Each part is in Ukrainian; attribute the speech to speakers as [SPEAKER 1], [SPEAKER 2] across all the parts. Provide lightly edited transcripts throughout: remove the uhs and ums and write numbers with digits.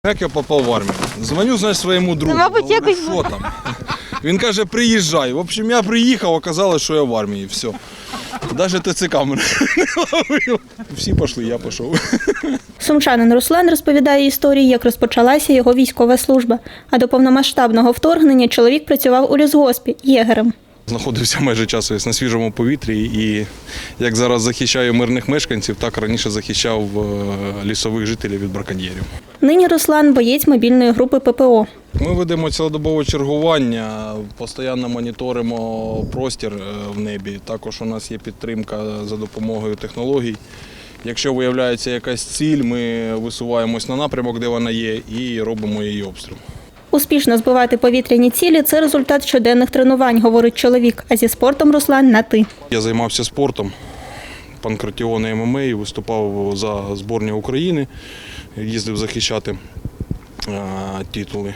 [SPEAKER 1] Як я попав в армію? Дзвоню, значить, своєму другу.
[SPEAKER 2] Мабуть,
[SPEAKER 1] Говорю,
[SPEAKER 2] якось
[SPEAKER 1] що там? Він каже, приїжджай. В общем, я приїхав, оказалось, що я в армії. Все. Навіть ТЦК мене не ловив. Всі пішли, я пішов.
[SPEAKER 3] Сумчанин Руслан розповідає історію, як розпочалася його військова служба. А до повномасштабного вторгнення чоловік працював у лісгоспі єгерем.
[SPEAKER 1] Знаходився майже час на свіжому повітрі і як зараз захищаю мирних мешканців, так раніше захищав лісових жителів від браконьєрів.
[SPEAKER 3] Нині Руслан – боєць мобільної групи ППО.
[SPEAKER 1] Ми ведемо цілодобове чергування, постійно моніторимо простір в небі. Також у нас є підтримка за допомогою технологій. Якщо виявляється якась ціль, ми висуваємось на напрямок, де вона є, і робимо її обстріл.
[SPEAKER 3] Успішно збивати повітряні цілі – це результат щоденних тренувань, говорить чоловік. А зі спортом Руслан – на «ти».
[SPEAKER 1] Я займався спортом, панкратіон і ММА, виступав за збірну України, їздив захищати титули.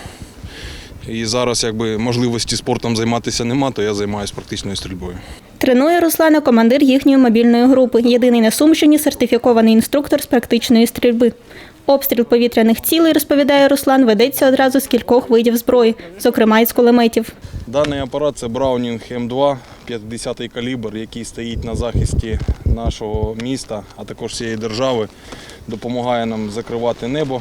[SPEAKER 1] І зараз можливості спортом займатися нема, то я займаюся практичною стрільбою.
[SPEAKER 3] Тренує Руслана командир їхньої мобільної групи. Єдиний на Сумщині сертифікований інструктор з практичної стрільби. Обстріл повітряних цілей, розповідає Руслан, ведеться одразу з кількох видів зброї, зокрема із кулеметів.
[SPEAKER 1] Даний апарат – це Браунінг М2, 50-й калібр, який стоїть на захисті нашого міста, а також всієї держави. Допомагає нам закривати небо.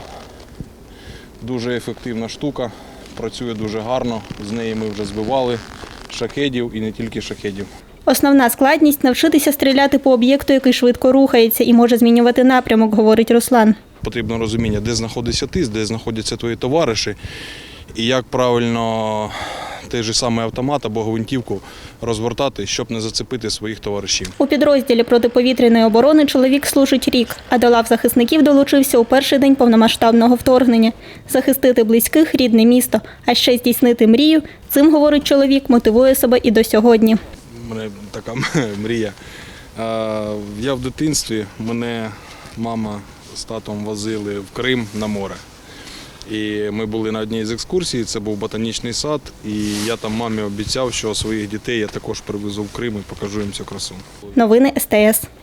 [SPEAKER 1] Дуже ефективна штука, працює дуже гарно. З неї ми вже збивали шахедів і не тільки шахедів.
[SPEAKER 3] Основна складність – навчитися стріляти по об'єкту, який швидко рухається і може змінювати напрямок, говорить Руслан.
[SPEAKER 1] Потрібно розуміння, де знаходишся ти, де знаходяться твої товариші і як правильно той же самий автомат або гвинтівку розвертати, щоб не зацепити своїх товаришів.
[SPEAKER 3] У підрозділі протиповітряної оборони чоловік служить рік, а до лав захисників долучився у перший день повномасштабного вторгнення. Захистити близьких – рідне місто, а ще здійснити мрію – цим, говорить чоловік, мотивує себе і до сьогодні.
[SPEAKER 1] У мене така мрія. Я в дитинстві, мене мама з татом возили в Крим на море. І ми були на одній з екскурсій, це був ботанічний сад, і я там мамі обіцяв, що своїх дітей я також привезу в Крим і покажу їм цю красу.
[SPEAKER 3] Новини СТС.